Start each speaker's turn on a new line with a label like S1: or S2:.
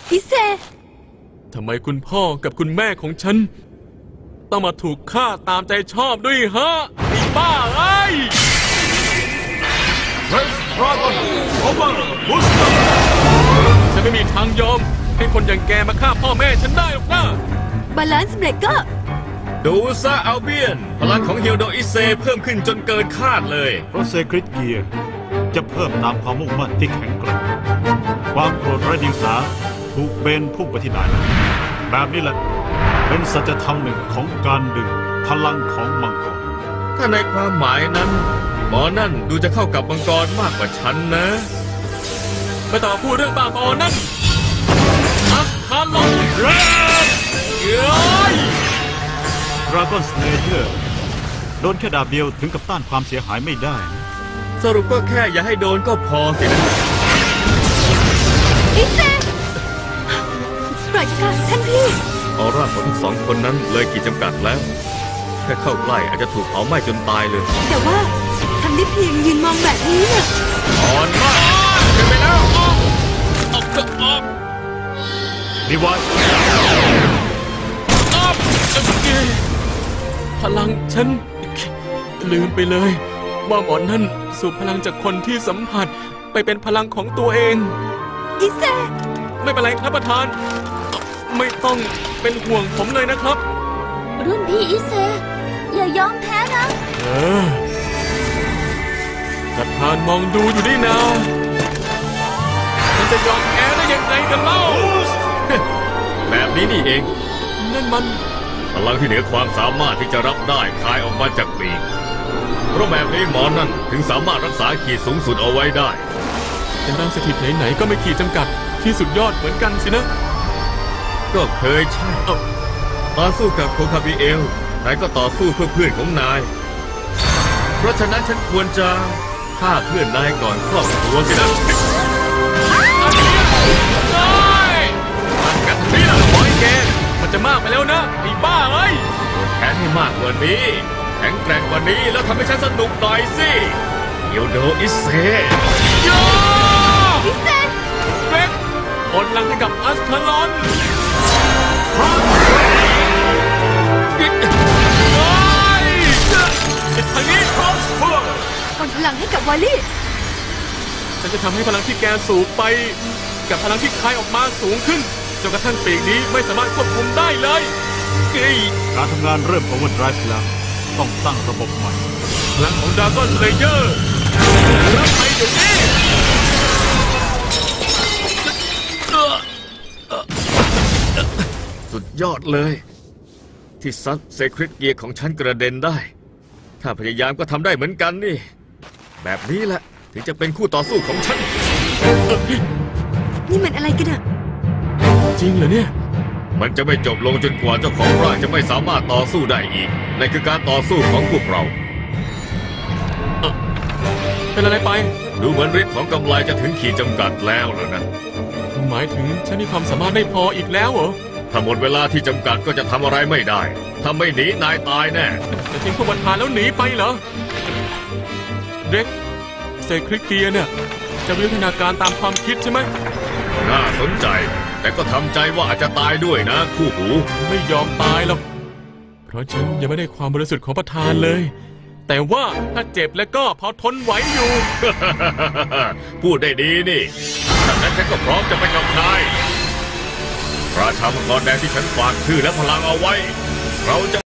S1: อิเซ
S2: ทำไมคุณพ่อกับคุณแม่ของฉันต้องมาถูกฆ่าตามใจชอบด้วยฮะไอ้บ้าเอ้ยฉันไม่มีทางยอมให้คนอย่างแกมาฆ่าพ่อแม่ฉันได้หรอกนะ
S1: บาลานซ์เบรกเกอร์
S3: ดูซะอัลเบียนพลังของเฮียวโดอิเซเพิ่มขึ้นจนเกินคาดเลย
S4: เพราะเซคริตเกียร์จะเพิ่มตามความมุ่งมั่นที่แข็งแกร่งความโกรธไร้เดียงสาถูกเบนพุ่งไปที่นายแบบนี้แหละเป็นสัจธรรมหนึ่งของการดึงพลังของมังกร
S3: ถ้าในความหมายนั้นหมอนั่นดูจะเข้ากับมังกรมากกว่าฉันนะ
S2: ไม่ต้องพูดเรื่องบ้าบอนั่นอัคคาลอนเรนเย้ย
S4: ดราก้อนสเลเยอร์โดนแค่ดาบเดียวถึงกับต้านความเสียหายไม่ได้
S3: สรุปก็แค่อย่าให้โดนก็พอสินะ
S1: อิเซปล่อยค่ะท่านพี่
S3: ออร่าของทั้งสองคนนั้นเลยขีดจำกัดแล้วแค่เข้าใกล้อาจจะถูกเผาไหม้จนตายเลย
S1: แต่ว่าทำได้เพียงยืนมองแบบนี้น่ะ
S3: อ่อนมากเกินไปแล้วออก
S4: ดีไว้
S2: พลังฉันลืมไปเลยว่าหมอนั่นสูบพลังจากคนที่สัมผัสไปเป็นพลังของตัวเอง
S1: อิเซ
S2: ไม่เป็นไรครับประธานไม่ต้องเป็นห่วงผมเลยนะครับ
S1: รุ่นพี่อิเซอย่ายอมแพ้นะ
S2: ประธานมองดูอยู่นี่นะมันจะยอมแพ้ได้ยังไงกันเล่า
S3: แบบนี้นี่เอง
S2: นั่นมัน
S3: พลังที่เหนือความสามารถที่จะรับได้คายออกมาจากปีกเพราะแบบนี้หมอนั่นถึงสามารถรักษาขีดสูงสุดเอาไว้ได้
S2: เป็นร่างสถิตไหนๆก็ไม่ขีดจำกัดที่สุดยอดเหมือนกันสินะ
S3: ก็เคยใช่ต่อสู้กับโคคาบิเอลนายก็ต่อสู้เพื่อเพื่อนของนายเพราะฉะนั้นฉันควรจะฆ่าเพื่อนนายก่อนครอบครัวสินะ
S2: มันกันนี่ละบอยแกมันจะมากไปแล้วนะไอ้บ้าเอ้ย
S3: แค้นให้มากกว่านี้แข็งแกร่งกว่านี้แล้วทำให้ฉันสนุกหน่อยสิเฮียวโดอิเซ
S1: อิเซ
S2: เร็กผลลังให้กับอัสคาลอนทางนี้
S1: ผลพลังให้กับวอลลี่
S2: ฉันจะทำให้พลังที่แกสูงไปกับพลังที่คายออกมาสูงขึ้นจนกระทั่งปีกนี้ไม่สามารถควบคุมได้เลย
S4: การทำงานเริ่มของวันไรฟ์แล้วต้องตั้งระบบใหม่
S2: พลังของดราก้อนสเลเยอร์รับไปเดี๋ยวนี้
S3: สุดยอดเลยที่ซัดเซคริตเกียร์ของฉันกระเด็นได้ถ้าพยายามก็ทำได้เหมือนกันนี่แบบนี้แหละถึงจะเป็นคู่ต่อสู้ของฉัน
S1: นี่มันอะไรกันอะ
S2: จริงเหรอเนี่ย
S3: มันจะไม่จบลงจนกว่าเจ้าของร่างจะไม่สามารถต่อสู้ได้อีกนั่นคือการต่อสู้ของพวกเรา
S2: เป็นอะไรไป
S3: ดูเหมือนฤทธิ์ของกำไลจะถึงขีดจำกัดแล้วเหรอนะ
S2: หมายถึงฉันมีความสามารถไม่พออีกแล้วเหรอ
S3: ถ้าหมดเวลาที่จำกัดก็จะทำอะไรไม่ได้ถ้าไม่หนีนายตายแน่
S2: จะทิ้งพวกประธานแล้วหนีไปเหรอเด็กเซคริกเกียเนี่ยจะวิวัฒนาการตามความคิดใช่ไหม
S3: น่าสนใจแต่ก็ทำใจว่าอาจจะตายด้วยนะคู่หู
S2: ไม่ยอมตายหรอกเพราะฉันยังไม่ได้ความบริสุทธิ์ของประธานเลยแต่ว่าถ้าเจ็บแล้วก็พอทนไหวอยู่
S3: พูดได้ดีนี่ดังนั้นฉันก็พร้อมจะไปกับนายราชามังกรแดงที่ฉันฝากชื่อและพลังเอาไว้เราจะ